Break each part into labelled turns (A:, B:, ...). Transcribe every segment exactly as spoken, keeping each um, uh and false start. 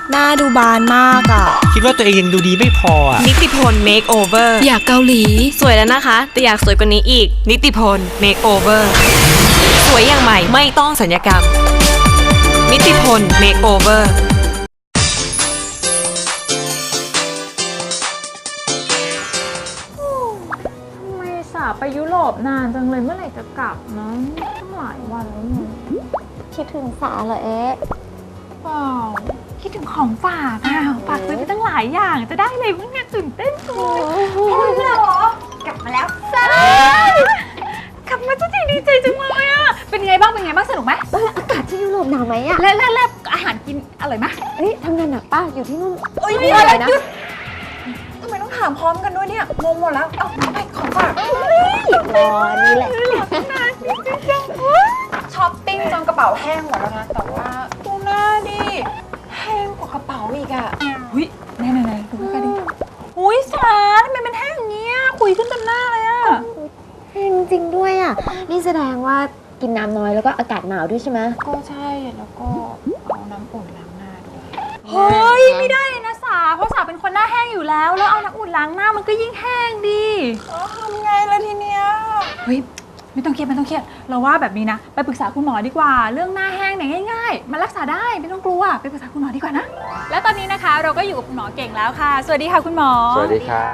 A: หน้าดูบานมากอ่ะ
B: คิดว่าตัวเองยังดูดีไม่พออ่ะ
C: นิติพลเมคโอเวอร์
D: อยากเกาหลี
C: สวยแล้วนะคะแต่อยากสวยกว่านี้อีกนิติพลเมคโอเวอร์สวยอย่างใหม่ไม่ต้องสัญญกรรมนิติพลเมคโอเวอร์
E: ทำไมสาไปยุโรปนานจังเลยเมื่อไหร่จะกลับนะตั้งหลายวันแล้วเนี่ย
A: คิดถึงสาเหรอเอ๊ะ
E: เปล่าคิดถึงของฝากอ่ะฝากซื้อไปตั้งหลายอย่างจะได้เลยมึงเนี่ยตื่นเต้นจังเลยโอ้ยเหรอกลับมาแล้วใช่กลับมาจริงๆดีใจจังเลยอ่ะเป็นไงบ้างเป็นไงบ้างสนุกไหม
A: อากาศที่ยุโรปหนาวไหมอ่ะ
E: และและและอาหารกินอร่อยไหม
A: เอ้ยทำงานหนักป้าอยู่ที่นู่น
E: เอ้ย
A: ไม่
E: อะ
A: อะไร ไรนะ
E: ทำไมต้องถามพร้อมกันด้วยเนี่ยงงหมดแล้วเอาไปของฝาก
A: รอนี่แหละ
E: ช้อปปิ้งจนกระเป๋าแห้งหมดแล้วนะแต่ว่าดูหน้าดิแห้งกว่ากระเป๋าอีกอ่ะหุ้ยไหนไหนไหนดูกันดิหุ้ยสาทำไมมันแห้งอย่างเงี้ยคุยขึ้นเต็มหน้าเลยอ่ะ
A: จริงๆด้วยอ่ะนี่แสดงว่ากินน้ำน้อยแล้วก็อากาศหนาวด้วยใช่ไหม
E: ก็ใช่แล้วก็เอาน้ำอุ่นล้างหน้าด้วยเฮ้ยไม่ได้เลยนะสาเพราะสาเป็นคนหน้าแห้งอยู่แล้วแล้วเอาน้ำอุ่นล้างหน้ามันก็ยิ่งแห้งดิทำไงล่ะทีเนี้ยเฮ้ยไม่ต้องเครียดไม่ต้องเครียดเราว่าแบบนี้นะไปปรึกษาคุณหมอดีกว่าเรื่องหน้าแห้งเนี่ยง่ายๆมันรักษาได้ไม่ต้องกลัวไปปรึกษาคุณหมอดีกว่านะและตอนนี้นะคะเราก็อยู่กับคุณหมอเก่งแล้วค่ะสวัสดีค่ะคุณหมอ
B: สวัสดีครับ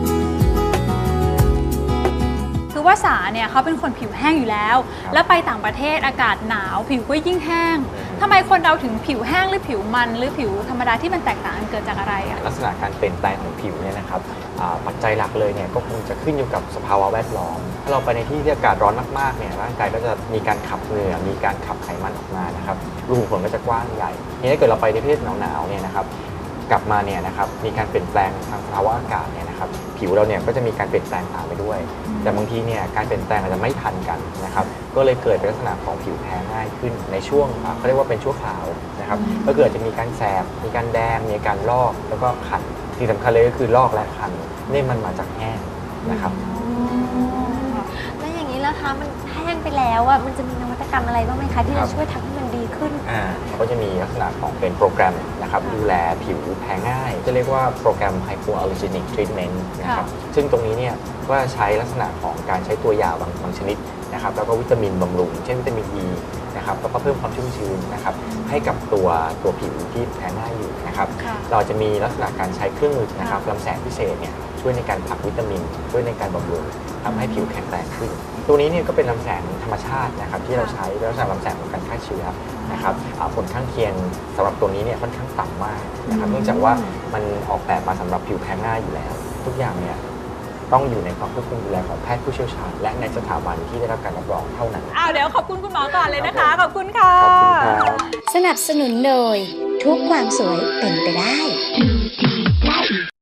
E: คือว่าสาเนี่ยเขาเป็นคนผิวแห้งอยู่แล้ว แล้วไปต่างประเทศอากาศหนาวผิวก็ยิ่งแห้งทำไมคนเราถึงผิวแห้งหรือผิวมันหรือผิวธรรมดาที่มันแตกต่างกันเกิดจากอะไรอะ
F: ลักษณะการเปลี่ยนแปลงของผิวเนี่ยนะครับปัจจัยหลักเลยเนี่ยก็คงจะขึ้นอยู่กับสภาวะแวดล้อมถ้าเราไปในที่ที่อากาศร้อนมากๆเนี่ยร่างกายก็จะมีการขับเหงื่อมีการขับไขมันออกมานะครับรูขุมขนก็จะกว้างใหญ่ทีนี้ถ้าเกิดเราไปในประเทศหนาวๆเนี่ยนะครับกลับมาเนี่ยนะครับมีการเปลี่ยนแปลงทางสภาวะอากาศเนี่ยนะครับผิวเราเนี่ยก็จะมีการเปลี่ยนแปลงตามไปด้วยแต่บางทีเนี่ยการเปลี่ยนแปลงอาจจะไม่ทันกันนะครับก็เลยเกิดเป็นลักษณะของผิวแพ้ง่ายขึ้นในช่วงเขาเรียกว่าเป็นชั่วคราวนะครับก็เกิดจะมีการแสบมีการแดงมีการลอกแล้วก็คันที่สำคัญเลยก็คือลอกและคันนี่มันมาจากแห้งนะครับ
A: แล้วอย่างนี้ล่ะคะมันแห้งไปแล้วอ่ะมันจะมีนวัตกรรมอะไรบ้างไหมคะที่
F: ครั
A: จะ
F: บ
A: ช่วยทำให้มันดีขึ้น
F: อ่าก็จะมีลักษณะของเป็นโปรแกรมนะครับดูแลผิวแพ้ง่าย จะเรียกว่าโปรแกรม Hypoallergenic Treatment นะครับซึ่งตรงนี้เนี่ยก็ใช้ลักษณะของการใช้ตัวยาบางบางชนิดนะครับแล้วก็วิตามินบำรุงเช่นวิตามิน E นะครับแล้วก็เพิ่มความชุ่มชื้นนะครับให้กับตัวตัวผิวที่แพ้ง่ายอยู่นะครับเราจะมีลักษณะการใช้เครื่องมือนะครับลำแสงพิเศษเนี่ยช่วยในการผลักวิตามินช่วยในการบำรุงทำให้ผิวแข็งแรงขึ้น ตัวนี้เนี่ยก็เป็นลำแสงธรรมชาตินะครับที่เราใช้เป็นลักษณะลำแสงของการฆ่าเชื้อนะครับผลข้างเคียงสำหรับตัวนี้เนี่ยค่อนข้างต่ำมากนะครับเนื่องจากว่ามันออกแบบมาสำหรับผิวแพ้ง่ายอยู่แล้ว ทุกอย่างเนี่ยต้องอยู่ในความควบคุมดูแลของแพทย์ผู้เชี่ยวชาญและในสถาบันที่ได้รับการรับรองเท่านั้น
E: อ้าวเดี๋ยวขอบคุณคุณหมอก่อนเลยนะคะขอบคุณค่ะ
F: ขอบคุณครับ
G: สนับสนุนโดยทุกความสวยเป็นไปได้